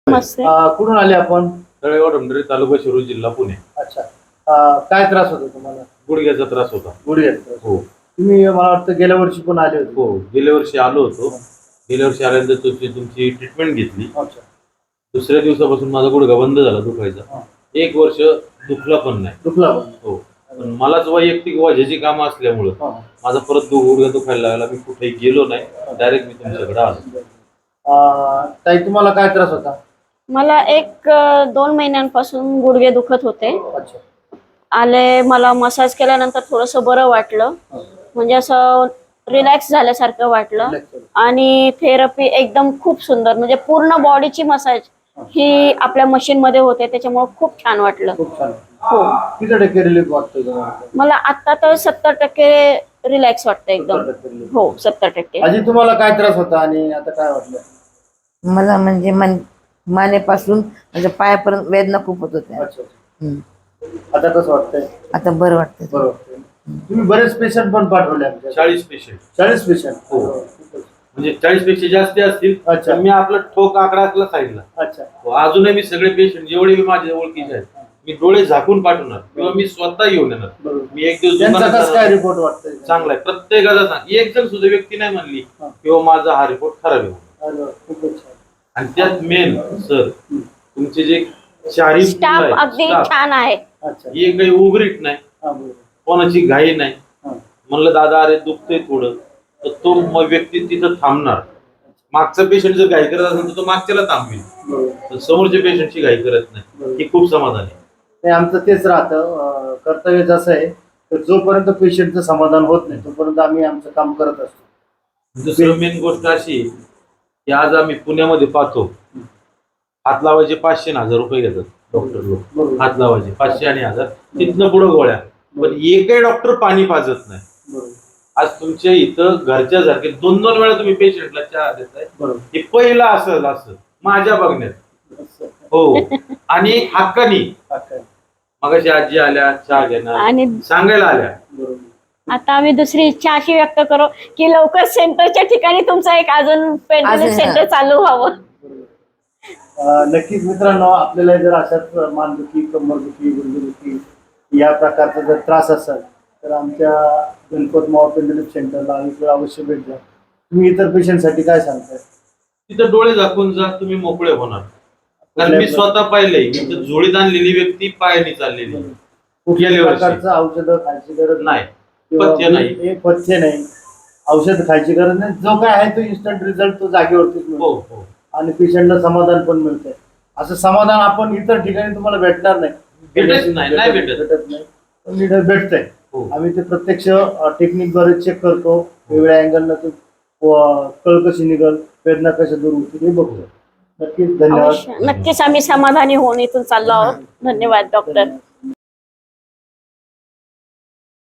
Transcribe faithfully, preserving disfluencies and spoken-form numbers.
मस्त आहे. अं, कुठून आले आपण? तळेगाव डोंगरे, तालुका शिरूर, जिल्हा पुणे. अच्छा. अं, काय त्रास होता तुम्हाला? गुडघ्याचा त्रास होता. गुडघ्याचा त्रास. हो तुम्ही मला वाटतं गेल्या वर्षी पण आले होते. हो गेल्या वर्षी आलो होतो. गेल्या वर्षी आल्यानंतर तुमची तुमची ट्रीटमेंट घेतली. अच्छा. दुसऱ्या दिवसापासून माझा गुडघा बंद झाला दुखायचा. हा. एक वर्ष दुखला पण नाही. दुखला पण? हो. पण मलाच वैयक्तिक वजाची कामं असल्यामुळं हा. माझा परत दु- गुडघा दुखायला लागला. मी कुठेही गेलो नाही, डायरेक्ट मी तुमच्याकडे आलो. अं, ताई तुम्हाला काय त्रास होता? मला एक अ, दोन महिन्यांपासून गुडघे दुखत होते. अच्छा. आले, मला मसाज केल्यानंतर थोडंसं बरं वाटलं, हा. म्हणजे असं रिलॅक्स झाल्यासारखं वाटलं. Relax झालं. आणि थेरपी एकदम खूप सुंदर, म्हणजे पूर्ण बॉडीची मसाज ही आपल्या मशीन मध्ये होते, त्याच्यामुळे खूप छान वाटलं. खूप छान. हो, किती टक्के रिलीफ वाटतोय तुम्हाला? मला आता तर सत्तर टक्के रिलॅक्स वाटतं एकदम. सत्तर टक्के relief. हो, सत्तर टक्के. आजी तुम्हाला काय त्रास होता आणि आता काय वाटलं? मला म्हणजे मन मानेपासून म्हणजे पायापर्यंत वेदना खूप होत होत्या. अच्छा. हम्म. आता कसं वाटतंय? आता बरं वाटतं. बरं वाटतंय. तुम्ही बरेच पेशंट पण पाठवले आमच्या? चाळीस पेशंट. चाळीस पेशंट? हो. म्हणजे चाळीस पेक्षा जास्त असतील. अच्छा. पण मी आपला ठोक आकडा असला साईडला. अच्छा. हो, अजूनही मी सगळे पेशंट जेवढे मी माझ्या ओळखीचे आहेत मी डोळे झाकून पाठवणार किंवा मी स्वतः येऊन येणार. बरोबर. मी एक दिवस त्यांचा दुकानात कसं काय जाणार. रिपोर्ट वाटतंय? चांगला आहे. प्रत्येकाचा सांग, एक जण सुद्धा व्यक्ती नाही म्हणली हा. किंवा माझा हा रिपोर्ट खराब आहे. अरे वा, खूपच छान. आणि त्यात मेन सर तुमचे जे चारही स्टाफ अगदी छान आहे. अच्छा. ही काही उघडीत नाही, हा, बरोबर. कोणाची घाई नाही. हा. म्हणलं दादा अरे दुखतंय थोडं, तर तो मग व्यक्ती तिथं थांबणार. मागचा पेशंट जर घाई करत असेल तर तो मागच्याला थांबवेल, बरोबर. पण समोरच्या पेशंटची घाई करत नाही. ही खूप समाधान आहे. नाही, आमचं तेच राहतं. अं, कर्तव्य जसं आहे तर जोपर्यंत पेशंटचं समाधान होत नाही तोपर्यंत आम्ही आमचं काम करत असतो. दुसरं मेन गोष्ट अशी आहे की आज आम्ही पुण्यामध्ये पाहतो हात लावायचे पाचशे आणि हजार रुपये घेतात डॉक्टर लोक. बरोबर. हात लावायचे पाचशे आणि हजार, तिथनं पुढं गोळ्या. पण एकही डॉक्टर पाणी पाजत नाही. बरोबर. आज तुमच्या इथं घरच्या सारखे दोन दोन वेळा तुम्ही पेशंटला चहा देताय. बरोबर. हे पहिलं असं असं माझ्या बघण्यात. असं. हो. आणि हक्कानी हा, काय. मगाशी आजी आल्या चहा घेणार आणि सांगायला आल्या. बरोबर. आता आम्ही दुसरी इच्छा अशी व्यक्त करू की लवकर सेंटरच्या ठिकाणी तुमचं एक अजून पेंटिंग अजून, सेंटर हा. चालू व्हावं. अं, नक्कीच मित्रांनो, आपल्याला जर अशाच मानदुखी, कंबरदुखी, गुडघेदुखी या प्रकारचा जर त्रास असेल तर आमच्या गणपत मावा पेंडलिप सेंटरला इकडे अवश्य भेट द्या. तुम्ही इतर पेशंटसाठी काय सांगताय? तिथं डोळे झाकून जा, तुम्ही मोकळे होणार. कारण मी स्वतः पाहिलंय इथं जोडीत आणलेली व्यक्ती पायाने चाललेली आहे. कुठल्याही प्रकारचं औषधं खायची गरज नाही, किंवा पथ्य नाही. हे पथ्य नाही, औषध खायची गरज नाही. जो काय आहे तो इन्स्टंट रिझल्ट तो जागेवरतीच हो मिळतो हो. आणि पेशंटला समाधान पण मिळतंय. असं समाधान आपण इतर ठिकाणी तुम्हाला भेटणार नाही. भेटत नाही, नाही भेटत. भेटत नाही, पण इथं भेटतंय. हो. आम्ही ते प्रत्यक्ष टेक्निकद्वारे चेक करतो. वेगळ्या अँगलनं ते कळ कशी निघल, वेदना कशा दूर होतील हे बघतो. नक्कीच धन्यवाद. अवश्य. नक्कीच आम्ही समाधानी होऊन इथून चाललो आहोत. धन्यवाद डॉक्टर.